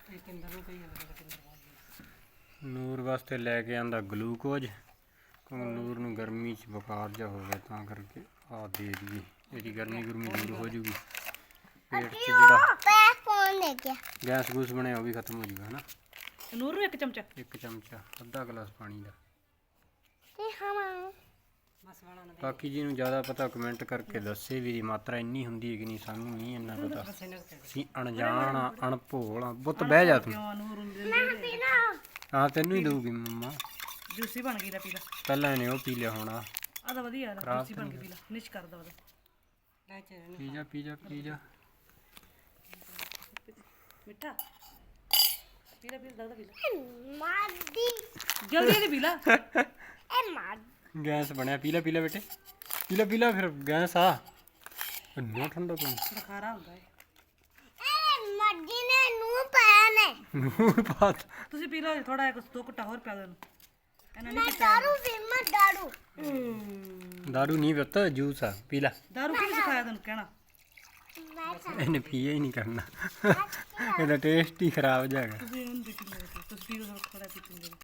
ਨੂਰ ਵਾਸਤੇ ਲੈ ਕੇ ਆਂਦਾ ਗਲੂਕੋਜ਼ ਕਿਉਂਕਿ ਨੂਰ ਨੂੰ ਗਰਮੀ 'ਚ ਬੁਖਾਰ ਜਿਹਾ ਹੋ ਗਿਆ ਤਾਂ ਕਰਕੇ ਆ ਦੇ ਦਈਏ ਇਹਦੀ ਗਰਮੀ ਗੁਰਮੀ ਦੂਰ ਹੋ ਜੂਗੀ ਪੇਟ 'ਚ ਜਿਹੜਾ ਗੈਸ ਗੂਸ ਬਣਿਆ ਉਹ ਵੀ ਖਤਮ ਹੋ ਜੂਗਾ ਹੈ ਨਾ। ਨੂਰ ਨੂੰ ਇੱਕ ਚਮਚਾ ਅੱਧਾ ਗਲਾਸ ਪਾਣੀ ਦਾ। ਬਾਕੀ ਜੀ ਨੂੰ ਜ਼ਿਆਦਾ ਪਤਾ ਕਮੈਂਟ ਕਰਕੇ ਦੱਸੇ ਵੀ ਦੀ ਮਾਤਰਾ ਇੰਨੀ ਹੁੰਦੀ ਹੈ ਕਿ ਨਹੀਂ, ਸਾਨੂੰ ਨਹੀਂ ਇੰਨਾ ਪਤਾ, ਅਸੀਂ ਅਣਜਾਣ ਆ ਅਣਭੋਲ ਆ। ਬੁੱਤ ਬਹਿ ਜਾ ਤੂੰ। ਹਾਂ ਤੈਨੂੰ ਹੀ ਦਊਗੀ ਮੰਮਾ। ਜੂਸੀ ਬਣ ਗਈ ਲੈ ਪੀ ਲੈ। ਪਹਿਲਾਂ ਇਹਨੇ ਉਹ ਪੀ ਲਿਆ ਹੋਣਾ। ਆ ਤਾਂ ਵਧੀਆ ਜੂਸੀ ਬਣ ਗਈ, ਪੀ ਲੈ ਨਿਸ਼ ਕਰਦਾ ਉਹਦਾ। ਪੀ ਜਾ ਮਿੱਠਾ ਪੀ ਲੈ ਦਰਦ ਪੀ ਲੈ ਜਲਦੀ ਪੀ ਲੈ। ਗੈਸ ਬਣਿਆ, ਪੀ ਲੈ ਬੇਟੇ ਪੀ ਲੈ ਫਿਰ ਗੈਸ ਆ ਇੰਨਾ ਠੰਡਾ ਪਾਣੀ ਬੁਖਾਰਾ ਹੁੰਦਾ ਹੈ। ਨੂਰ ਪਾਤ ਤੁਸੀਂ ਪੀ ਲਓ ਥੋੜਾ ਜਿਹਾ, 2 ਘੁੱਟਾ ਹੋਰ ਪਿਆ ਦੋ ਇਹਨੂੰ। ਇਹਨਾਂ ਨੇ ਦਾਰੂ ਨਹੀਂ ਪੁੱਤ ਜੂਸ ਆ, ਪੀ ਲੈ। ਦਾਰੂ ਕੀ ਸਿਖਾਇਆ ਤੈਨੂੰ ਕਹਿਣਾ? ਇਹਨੇ ਪੀਏ ਹੀ ਨਹੀਂ ਕਰਨਾ, ਇਹਦਾ ਟੇਸਟ ਹੀ ਖਰਾਬ ਜਾਏਗਾ।